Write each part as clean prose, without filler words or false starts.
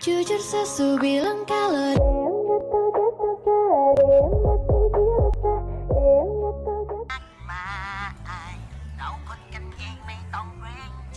Jujur sesu bilang kalau มาอายเราคนกันเองไม่ต้องเกรงใจ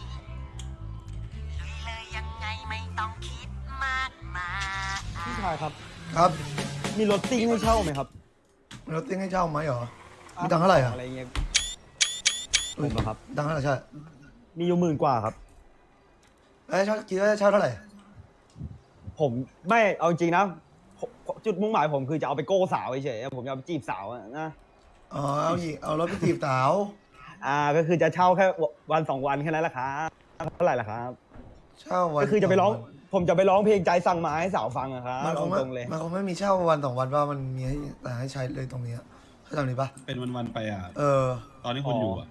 ลุยเลยยังไงไม่ต้องคิดมากมายพี่ชายครับครับมีรถซิ่งให้เช่าไหมครับมีรถติ้งให้เช่าไหมเหรอ มีตังค์เท่าไหร่อ่ะอะไรเงี้ย ผมเหรอครับตังค์เท่าไหร่ใช่มีอยู่10,000 กว่าครับเอ้ยเช่าคิดว่าจะเช่าเท่าไหร่ผมไม่เอาจริงนะจุดมุ่งหมายผมคือจะเอาไปโก้สาวเฉยๆผมจะเอาไปจีบสาวอะนะอ๋อ เอาอีกเอารถไปจีบสาวก็คือจะเช่าแค่วัน2 วันแค่นั้นแหละครับเท่าไหร่ล่ะครับเช่าวันก็คือจะไปร้อง ผมจะไปร้องเพลงใจสั่งมาให้สาวฟังอะครับมันคงไม่ตรงๆเลยมันคงไม่มีเช่าวันสองวันว่ามันมีให้แต่ให้ใช้เลยตรงนี้เข้าใจนี้ปะเป็นวันๆไปอ่ะเออตอนที่คุณอยู่อ่ะ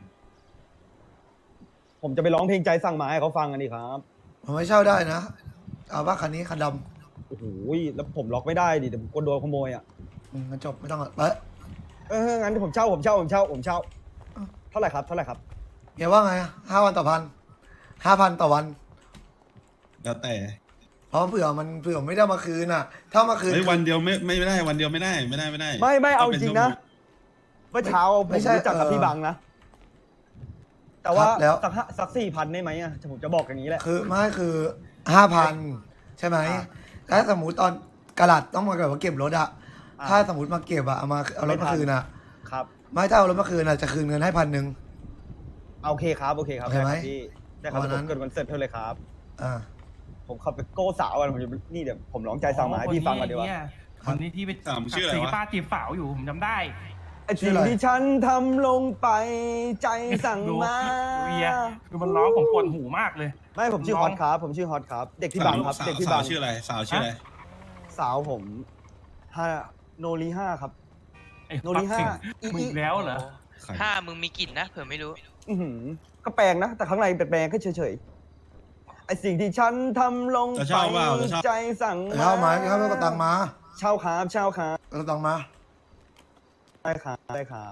ผมจะไปร้องเพลงใจสั่งมาให้เขาฟังกันดีครับผมไม่เช่าได้นะ เอาว่าคันนี้คันดโอ้โหแล้วผมล็อกไม่ได้ดิเดี๋ยวผมกลัวโดนขโมยอ่ะำงั้นจบไม่ต้องอ่ะไปงั้นผมเช่าเท่าไหร่ครับเฮียว่าไง5 วันต่อพัน5,000ต่อวันแล้วแต่เพราะเผื่อไม่ได้มาคืนอ่ะ ถ้ามาคืนเฮ้ยวันเดียวไม่ได้วันเดียวไม่ได้ไม่ได้ไม่เอาต้จป็ริงๆนะชั่วโมเมื่อเช้าผมไม่ใช่รู้จักกับเออพี่บังนะ แต่ว่าครับแล้วสัก4,000ได้ไหมอ่ะผมจะบอกอย่างนี้แหละคือไม่คือ5,000ใช่ไหมอ่าถ้าสมมติตอนกระดาษต้องมาแบบว่าเก็บรถอะอ่าถ้าสมมติมาเก็บอะเอารถไม่ทัมาน คืนอะครับไม่ถ้าเอารถมาคืนอะจะคืนเงินให้1,000 โอเคครับโอเคไหมได้ครับพี่ได้ครับวันนั้นผมเกิดวันเสร็จเท่าเลยครับอ่าผมขับไปโก้สาวกันผมจะนี่เดี๋ยวผมร้องใจสั่งมาให้พี่ฟังก่อนดีกว่าคนนี้ที่ไปสามชื่ออะไรวะสีป้าจีบสาวอยู่ผมจำได้ไอ้สิ่งที่ฉันทำลงไปใจสั่งดูมาเวียคือมันร้องผมปวดหูมากเลยไม่ผมชื่อฮอตครับผมชื่อฮอตครับ เด็กที่บังครับสาวเด็กที่สาบัวงชื่ออะไรสาวชื่ออะไรสาวผมโนรี5ครับไอ้โนริห้ามึงอีกแล้วเหรอใครถ้ามึงมีกลิ่นนะเผื่อไม่รู้อื้อหือก็แปลงนะ แต่ข้างในเป็นแปลงแค่เฉยๆไอสิ่งที่ฉันทำลงจะไปเช่าเปล่าจะเช่าใจสั่งเช่าไหมครับก็ตังค์มาเช่าครับเช่าครับก็ตังค์มาได้ครับได้ครับ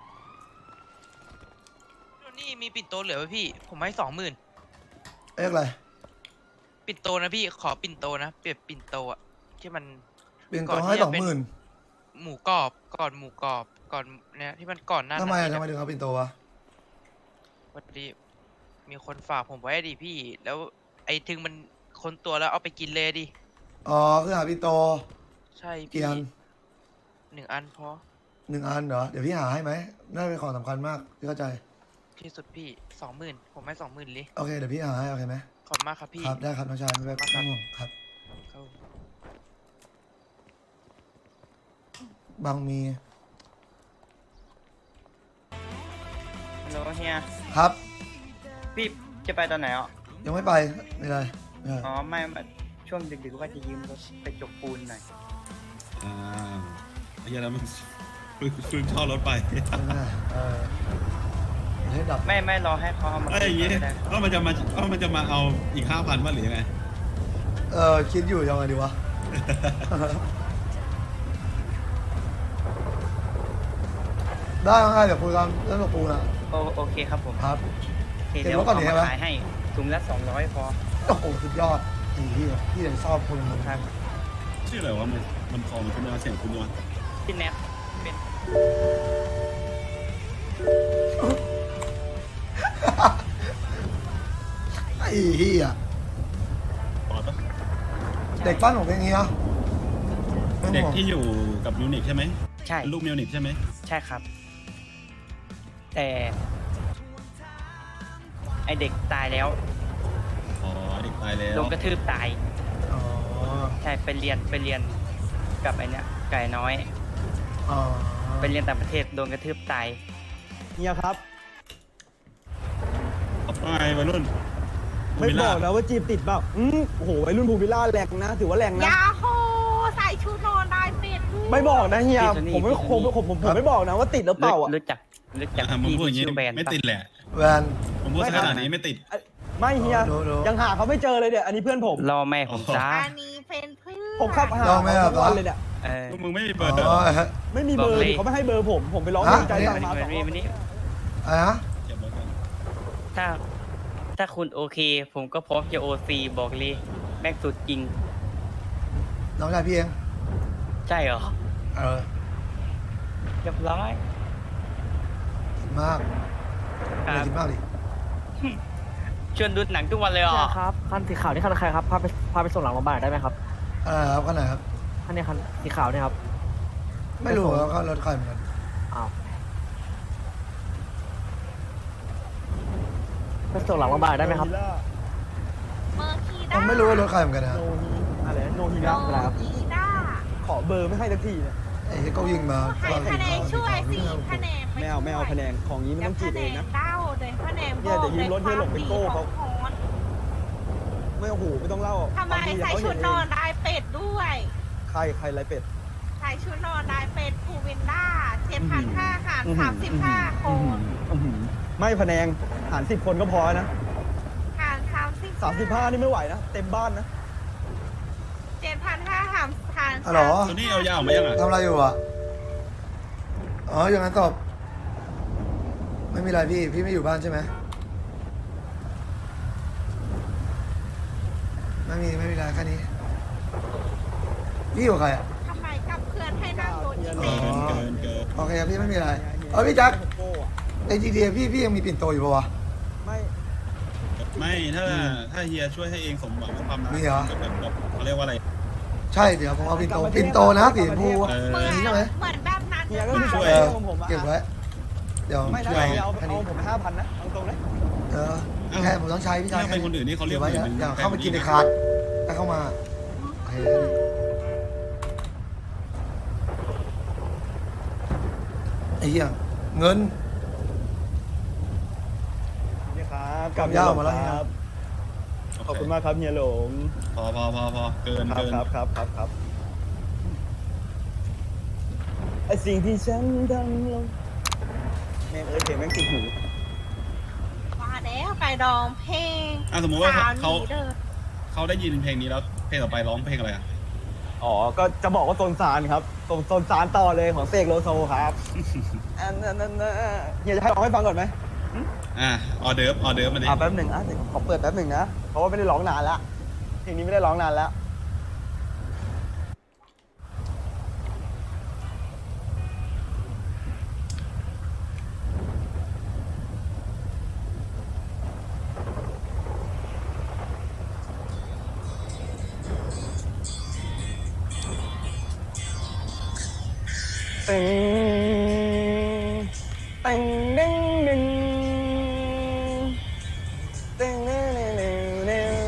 นี่มีปิ่นโตเหลือไหมพี่ ผมให้20,000 เอ๊ะอะไรปิ่นโตนะพี่ขอปิ่นโตนะเปรียบปิ่นโตอะที่มันเป็นตัวให้20,000 หมูกรอบก่อนหมูกรอบก่อนเนี่ยที่มันก่อนหน้าทำไมนั้นทำไมถึงเอาเป็นตัววะวันนี้มีคนฝากผมไว้ดิพี่ แล้วไอ้ถึงมันคนตัวแล้วเอาไปกินเลยดิอ๋อคือหาเป็นโตใช่กี่พี่อัน 1 อันพอ 1 อันเหรอเดี๋ยวพี่หาให้ไหมน่าเป็นของสำคัญมากที่เข้าใจที่สุดพี่20,000ผมให้20,000เลยโอเคเดี๋ยวพี่หาให้โอเคไหมขอบคุณมากครับพี่ครับได้ครับน้องชายไม่เป็นไรห่วงครับครับบางมีฮัลโหลเฮียครับพี่จะไปตอนไหนอ่ะยังไม่ไปไม่ได้อ๋อ ไม่ช่วงดึกๆว่าจะยืมรถไปจกปูนหน่อยอ่าไอ้เหี้ยแล้วมันฟื้นเช่ารถไปไม่ได้ให้ดับไม่รอให้เขาเอามาไอ้อย่างงี้ก็ได้ก็มันจะมาเอาอีก5,000ว่าหรือยังไงคิดอยู่ยังไงดีวะ ได้ไหมเดี๋ยวคุยกันเรื่องกับปูนะโอเคครับผมครับโอเคเห็นเดี๋ยวว่าก่อนเอาเห็นมาปะขายให้ถุงละ200พอโอ้โหสุดยอดพี่เลยชอบคนมึงครับชื่ออะไรวะมันคอมันคุณเสียงคุณวะพี่แนทเป็นไอ้เหี้ยปอดปะเด็กปั้นของเพลงนี้เหรอเด็กที่อยู่กับมิวนิกใช่ไหมใช่เป็นลูกมิวนิกใช่ไหมใช่ครับ แต่ไอเด็กตายแล้วอ๋อเด็กตายแล้วโดนกระทืบตายอ๋อใช่ไปเรียนกับไอเนี้ยไก่น้อยอ๋อไปเรียนต่างประเทศโดนกระทืบตายเฮียครับว่าไงวัยรุ่นไม่บอกนะว่าจีบติดเปล่าโอ้โหวัยรุ่นภูวิลล่าแรงนะ ถือว่าแรงนะยาโฮใส่ชุดนอนได้เป็ดด้วยไม่บอกนะเฮียพี่โทนี่ผมไม่พี่โทนี่ผมไม่บอกนะว่าติดหรือเปล่าอ่ะรู้จักมึงพี่พูดอย่างที่งี้ชื่อแบรนด์ไม่ปะติดแหละแวนผมพูดขนาดนี้ไม่ติดไม่เฮียดูยังหาเขาไม่เจอเลยเนี่ยอันนี้เพื่อนผมรอแม่ผมจ้าอันนี้เป็นเพื่อนผมขับหาลองไหมเขาอ่ะทุกวันเลยเนี่ยเออพวกมึงไม่มีเบอ๋อร์เด้ออไม่มีเบอร์บอกเลยดิเขาไม่ให้เบอร์ผมไปร้องฮะเพลงใจสั่งมาวัน 2 นี้รอบวันนี้อะไรนะเก็บไว้ก่อนถ้าคุณโอเค ผมก็พร้อมจะโอซีบอกเลยแม็กสุดจริงน้องชายพี่เองใช่เหรอเออเรียบร้อยคิดมากครัอย่าบคิดมากดิชวนดูหนังทุกวันเลยเหรอครับคันสีขาวนี่คันใครครับพาไปส่งหลังโรงพยาบาลได้ไหมครับอะไรครับขนาดครับคันนี้คันสีขาวเนี่ยครับไม่รู้ครับเขารถใครเหมือนกันอ้าวไปส่งหลังโรงพยาบาลได้ไหมครับเมอร์คีผด้ามไม่รู้ว่ารถใครเหมือนกันนะครับโนฮีอะไรโนฮีโนนะอะไรครับฮีด้าขอเบอร์ไม่ให้สักทีเนี่ยไอ้ที่เขายิงมาให้คะแนนช่วยสิคะแนนไม่เอาคะแนนของนี้ไม่ต้องจีบเองนะเต้าเลยคะแนนเนี่ยเดี๋ยวยืมรถเฮียหลงไปโก้เขาของคนไม่โอ้โหไม่ต้องเล่าทำไมบางทีใส่เขาชุเห็ดนนเออง นลายเป็ดด้วยใครไรเป็ดใส่ชุดนอนลายเป็ดภูวินด้า7,500หาร35 คนไม่พะแนงหาร10 คนก็พอนะหาร 35นี่ไม่ไหวนะ เต็มบ้านนะ 7,500หารฮัลโหลตัวนี้เอายาวมายังอ่ะทำอะไรอยู่อ่ะ อ๋ออย่างนั้นตอบ ไม่มีอะไรพี่ไม่อยู่บ้านใช่ไหมไม่มีอะไรแค่นี้ พี่อยู่กับใครอ่ะทำไมกับเพื่อนให้นั่งรถอีเกิเมนลเกินเกินโอเคครับพี่ไม่มีอะไร เออพี่แจ็คใน GTA พี่ยังมีปิ่นโตอยู่ปะวะไม่ไม่ถ้าเฮียช่วยให้เองสมหวังกับความรักมีเหรอแบบเขาเรียกว่าอะไรใช่เดี๋ยวผมเอาปิ่นโตนะสีชมพูอะเออเหมือนนี่ใช่ไหมเหมือนแบบนั้นเฮียเลยก็มีค่ะช่วยเออผมอะเก็บไว้ เดี๋ยวไม่นะช่วยเอาแค่นี้ผม5,000นะเอาตรงเลยเออแค่ผมต้องใช้พี่ชายถ้าเป็นคนอื่นนี่เขาเรียกไว้หมื่นหนึ่งอย่าเข้ามากินในคาร์ดถ้าเข้ามาโอเคไอ้เหี้ยเงินนี่ครับกลับย่ามาแล้วครับ ขอบคุณมากครับเฮียหลงพอเกินครับเกินครับไอสิ่งที่ฉันทำลงแม่งเพลงแม่งติดหูมาแล้วไปดองเพลงสมมติว่าสาวเขาหนีเด้อเขาได้ยินเพลงนี้แล้วเพลงต่อไปร้องเพลงอะไรอ่ะอ๋อ ก็จะบอกว่าโซนซานครับโซนซานต่อเลยของเสกโลโซครับอันนั้นเฮียจะให้ร้องให้ฟังก่อนไหมออเดิร์ฟมาดิแป๊บหนึ่งเดี๋ยวขอเปิดแป๊บหนึ่งนะ เพราะว่าไม่ได้ร้องนานแล้วเพลงนี้ไม่ได้ร้องนานแล้ว ตึงตึงดึงดึงตึงเร็วเร็วเร็วเร็ว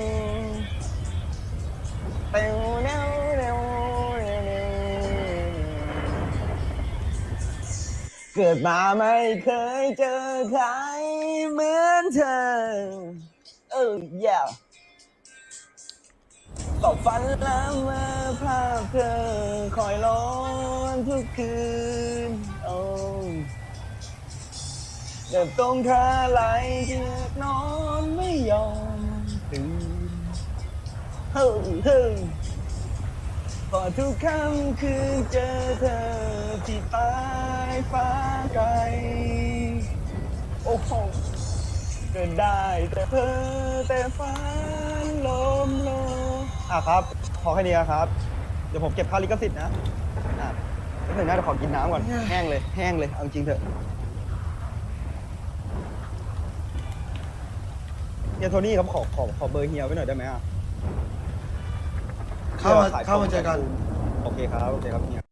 ตึงเร็วเร็วเร็วเร็วเกิดมาไม่เคยเจอใครเหมือนเธอyeah ตกฝันแล้วเมื่อภาพเธอคอยร้อนทุกคืนโอ้เดินตรงท่าไหลเจือกนอนไม่ยอมตื่นเฮ้ยพอทุกค่ำคืนเจอเธอที่ปลายฟ้าไกลโอ้โหเกิดได้แต่เพ้อแต่ฝันลมโลครับพอแค่นี้ครับเดี๋ยวผมเก็บค่าลิขสิทธิ์นะนิดหนึ่งนะเดี๋ยวขอกินน้ำก่อนแห้งเลยเอาจริงเถอะเฮียโทนี่ครับขอเบอร์เฮียไว้หน่อยได้ไหมอ่ะเข้ามาเจอกันโอเคครับเฮีย